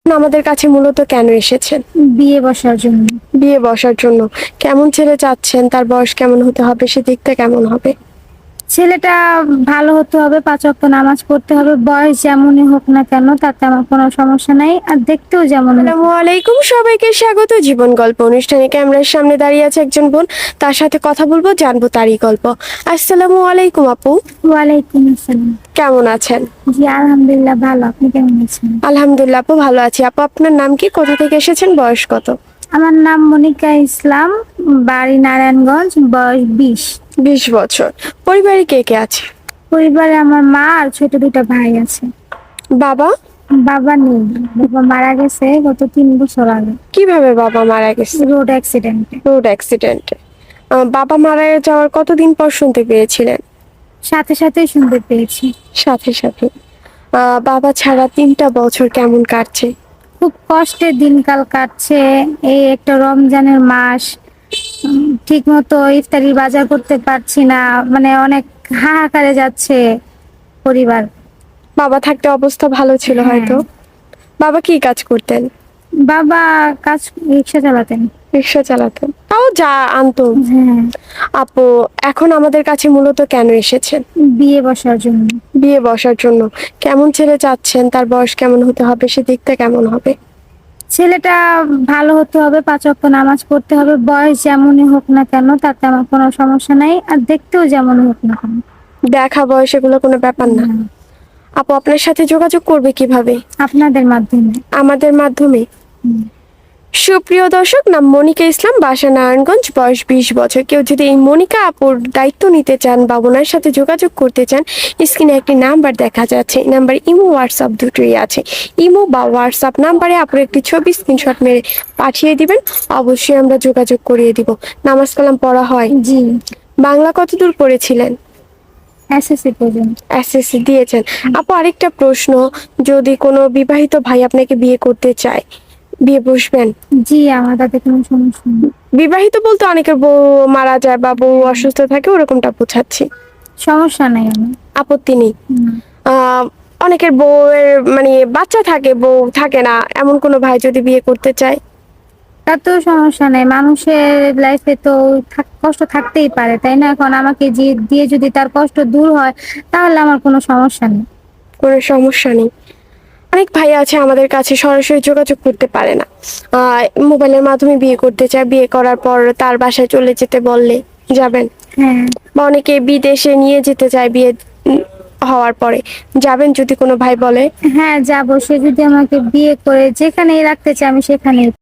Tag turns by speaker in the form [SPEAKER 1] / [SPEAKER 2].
[SPEAKER 1] আমাদের কাছে মূলত কেন এসেছেন?
[SPEAKER 2] বিয়ে বসার জন্য।
[SPEAKER 1] বিয়ে বসার জন্য। কেমন ছেলে চাচ্ছেন? তার বয়স কেমন হতে হবে? সে দেখতে কেমন হবে?
[SPEAKER 2] ছেলেটা ভালো হতে হবে, ৫ ওয়াক্ত নামাজ পড়তে হবে, বয়স যেমনই হোক না কেন তাতে আমার কোনো সমস্যা নাই, আর দেখতেও যেমন হোক।
[SPEAKER 1] আসসালামু আলাইকুম, সবাইকে স্বাগত জীবন গল্প অনুষ্ঠানে। ক্যামেরার সামনে দাঁড়িয়ে আছে একজন বোন, তার সাথে কথা বলবো, জানবো তারই গল্প। আসসালামু আলাইকুম আপু,
[SPEAKER 2] ওয়ালাইকুম আসসালাম।
[SPEAKER 1] কেমন আছেন?
[SPEAKER 2] জি আলহামদুলিল্লাহ ভালো, আপনি কেমন আছেন?
[SPEAKER 1] আলহামদুলিল্লাহ আপু, ভালো আছি। আপু, আপনার নাম কি? কোথা থেকে এসেছেন? বয়স কত?
[SPEAKER 2] আমার নাম মনিকা ইসলাম, বাড়ি নারায়ণগঞ্জ, বয়স 20।
[SPEAKER 1] 20 বছর। পরিবারে কে কে আছে?
[SPEAKER 2] পরিবারে আমার মা আর ছোট 2টা ভাই আছে।
[SPEAKER 1] বাবা?
[SPEAKER 2] বাবা নেই, বাবা মারা গেছে গত 3 বছর আগে,
[SPEAKER 1] কিভাবে বাবা মারা গেছে?
[SPEAKER 2] রোড অ্যাক্সিডেন্টে।
[SPEAKER 1] রোড অ্যাক্সিডেন্টে। বাবা মারা যাওয়ার কতদিন পর শুনতে পেয়েছিলেন?
[SPEAKER 2] সাথে সাথেই শুনতে পেয়েছি।
[SPEAKER 1] সাথে সাথে। বাবা ছাড়া 3টা বছর কেমন কাটছে?
[SPEAKER 2] খুব কষ্টে দিনকাল কাটছে। এই একটা রমজানের মাস, ঠিক মতো ইফতারির বাজার করতে পারছি না, মানে অনেক হাহাকারে যাচ্ছে পরিবার।
[SPEAKER 1] বাবা থাকতে অবস্থা ভালো ছিল
[SPEAKER 2] হ্যাঁ।
[SPEAKER 1] হয়তো। বাবা কি কাজ করতেন?
[SPEAKER 2] বাবা কাজ, রিক্সা চালাতেন।
[SPEAKER 1] রিক্সা চালাতেন, তাও যা আনতো।
[SPEAKER 2] হ্যাঁ।
[SPEAKER 1] আপু, এখন আমাদের কাছে মূলত কেন এসেছেন?
[SPEAKER 2] বিয়ে বসার জন্য।
[SPEAKER 1] বিয়ে বসার জন্য। কেমন ছেলে চাচ্ছেন? তার বয়স কেমন হতে হবে? সে দেখতে কেমন হবে?
[SPEAKER 2] ছেলেটা ভালো হতে হবে, ৫ ওয়াক্ত নামাজ পড়তে হবে, বয়স যেমনই হোক না কেন তাতে আমার কোনো সমস্যা নাই, আর দেখতেও যেমন হোক না কেন।
[SPEAKER 1] দেখা বয়স এগুলো কোনো ব্যাপার না।
[SPEAKER 2] হ্যাঁ।
[SPEAKER 1] আপু, আপনার সাথে যোগাযোগ করবে কিভাবে?
[SPEAKER 2] আপনাদের মাধ্যমে।
[SPEAKER 1] আমাদের মাধ্যমে।
[SPEAKER 2] হুম।
[SPEAKER 1] সুপ্রিয় দর্শক, নাম মনিকা ইসলাম, বাসা নারায়ণগঞ্জ, বয়স 20 বছর। কেউ যদি এই মনিকা আপুর দায়িত্ব নিতে চান বা ওনার সাথে যোগাযোগ করতে চান, স্ক্রিনে একটি নাম্বার দেখা যাচ্ছে। এই নাম্বারে ইমো হোয়াটসঅ্যাপ দুটোই আছে। ইমো বা হোয়াটসঅ্যাপ নাম্বারে আপুর একটি ছবি স্ক্রিনশট মেরে পাঠিয়ে দিবেন, অবশ্যই আমরা যোগাযোগ করিয়ে দিব। নামাজ কালাম পড়া হয়?
[SPEAKER 2] জি।
[SPEAKER 1] বাংলা কতদূর পড়েছিলেন?
[SPEAKER 2] এসএসসি পর্যন্ত।
[SPEAKER 1] এসএসসি দিয়েছেন। আপু, আরেকটা প্রশ্ন, যদি কোনো বিবাহিত ভাই আপনাকে বিয়ে করতে চায়, বিয়ে বসবেন?
[SPEAKER 2] জি, আমার তাতে কোনো সমস্যা নেই।
[SPEAKER 1] বিবাহিত বলতে অনেকের বউ মারা যায় বা বউ অসুস্থ থাকে, ওরকমটা বোঝাচ্ছি।
[SPEAKER 2] সমস্যা নাই আমার।
[SPEAKER 1] আপত্তি নেই।
[SPEAKER 2] হুম।
[SPEAKER 1] আহ অনেকের বউয়ের মানে বাচ্চা থাকে, বউ থাকে না, এমন কোনো ভাই যদি বিয়ে করতে চায়?
[SPEAKER 2] তাতেও সমস্যা নাই, মানুষের লাইফে তো কষ্ট থাকতেই পারে, তাই না? এখন আমাকে দিয়ে যদি তার কষ্ট দূর হয় তাহলে আমার কোনো সমস্যা নেই।
[SPEAKER 1] কোনো সমস্যা নেই। অনেক ভাই আছে আমাদের কাছে সরাসরি যোগাযোগ করতে পারে না, মোবাইলের মাধ্যমে বিয়ে করতে চায়। বিয়ে করার পর তার বাসায় চলে যেতে বললে যাবেন?
[SPEAKER 2] হ্যাঁ।
[SPEAKER 1] বা অনেকে বিদেশে নিয়ে যেতে চায় বিয়ে হওয়ার পরে, যাবেন যদি কোনো ভাই বলে?
[SPEAKER 2] হ্যাঁ যাবো, সে যদি আমাকে বিয়ে করে যেখানেই রাখতে চায় আমি সেখানেই